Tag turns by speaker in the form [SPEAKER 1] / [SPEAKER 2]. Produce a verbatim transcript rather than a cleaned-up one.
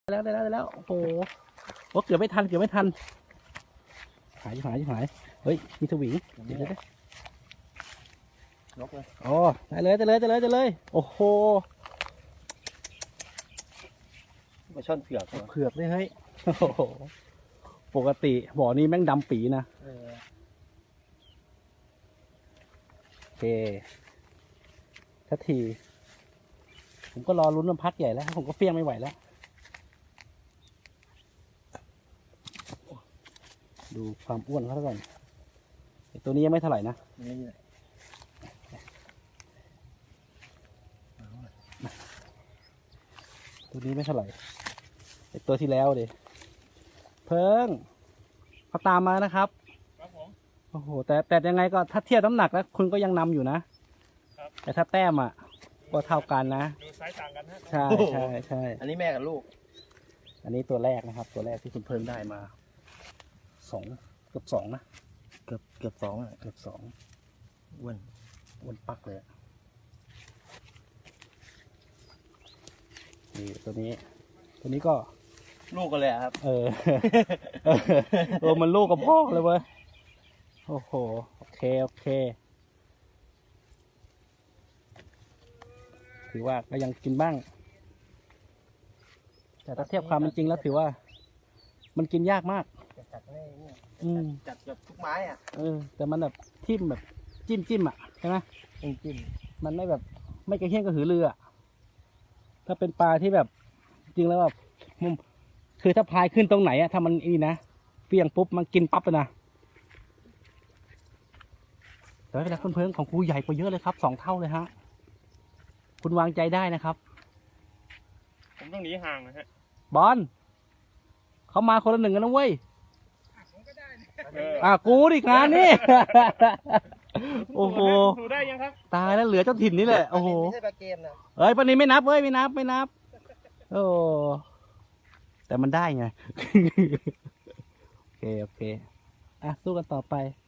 [SPEAKER 1] แล้วได้แล้วได้แล้วโอ้โหโอ้เกือบไม่ทันเกือบไม่ทันหายหายหายเฮ้ยมีสวิงเดี๋ยวเดี๋ยวนกเลยอ๋อได้เลยได้เลยได้เลยได้เลยโอ้โห
[SPEAKER 2] มาช่อนเผือก
[SPEAKER 1] เผือกเลยเฮ้ยโอ้โหปกติบ่อนี้แม่งดำปีนะโอเคทันทีผมก็รอลุ้นมันพักใหญ่แล้วผมก็เฟี้ยงไม่ไหวแล้วดูความอ้วนเขาก่อนตัวนี้ยังไม่เท่าไหร่นะตัวนี้ไม่เท่าไหร่ตัวที่แล้วดิเพิ่งเขาตามมานะครับครับผมโอ้โหแต่แต่ยังไงก็ถ้าเทียบน้ำหนักแล้วคุณก็ยังนำอยู่นะแต่ถ้าแต้มอ่ะก็เท่ากันนะดูไซส์ต่างกันฮะใช่ใช่ใช่
[SPEAKER 2] อันนี้แม่กับลูก
[SPEAKER 1] อันนี้ตัวแรกนะครับตัวแรกที่คุณเพิ่งได้มาสองเกือบสองนะ
[SPEAKER 2] เกือบเกือบสองอ่ะ
[SPEAKER 1] เกือบสอง
[SPEAKER 2] อ้วน
[SPEAKER 1] อ้วนปักเลยนี่ตัวนี้ตัวนี้ก็
[SPEAKER 2] ลูกกันเลยครับ
[SPEAKER 1] เออเออมันลูกกับพ่อเลยเว้ยโอ้โหโอเคโอเคถือว่าก็ยังกินบ้างแต่ถ้าเทียบความเป็นจริงแล้วถือว่ามันกินยากมาก
[SPEAKER 2] จัดไม่เนี่ยจัดแบบทุกไม้อ่ะ
[SPEAKER 1] เออแต่มันแบบทิ่มแบบจิ้มจิ้มอ่ะใช่ไหม
[SPEAKER 2] จิ้มจิ้ม
[SPEAKER 1] มันไม่แบบไม่กระเฮี้ยนกระหือรืออ่ะถ้าเป็นปลาที่แบบจริงแล้วแบบมุมคือถ้าพายขึ้นตรงไหนอะถ้ามันอีนะเฟี้ยงปุ๊บมันกินปั๊บเลยนะแต่ไม่เป็นไรเพื่อนๆของกูใหญ่กว่าเยอะเลยครับสองเท่าเลยฮะคุณวางใจได้นะครับ
[SPEAKER 3] ผมต้องหนีห่างนะฮะ
[SPEAKER 1] บอลเขามาคนละหนึ่งกันนะเว้ยอ่ะกูดิงานนี่โอ้โหตายแล้วเหลือเจ้าถิ่นนี่แหละโอ้โห
[SPEAKER 2] ไม่ใช่ปลาเกมนะ
[SPEAKER 1] เฮ้ยปนี้ไม่นับเว้ยไม่นับไม่นับโอ้แต่มันได้ไงโอเคโอเคอ่ะสู้กันต่อไป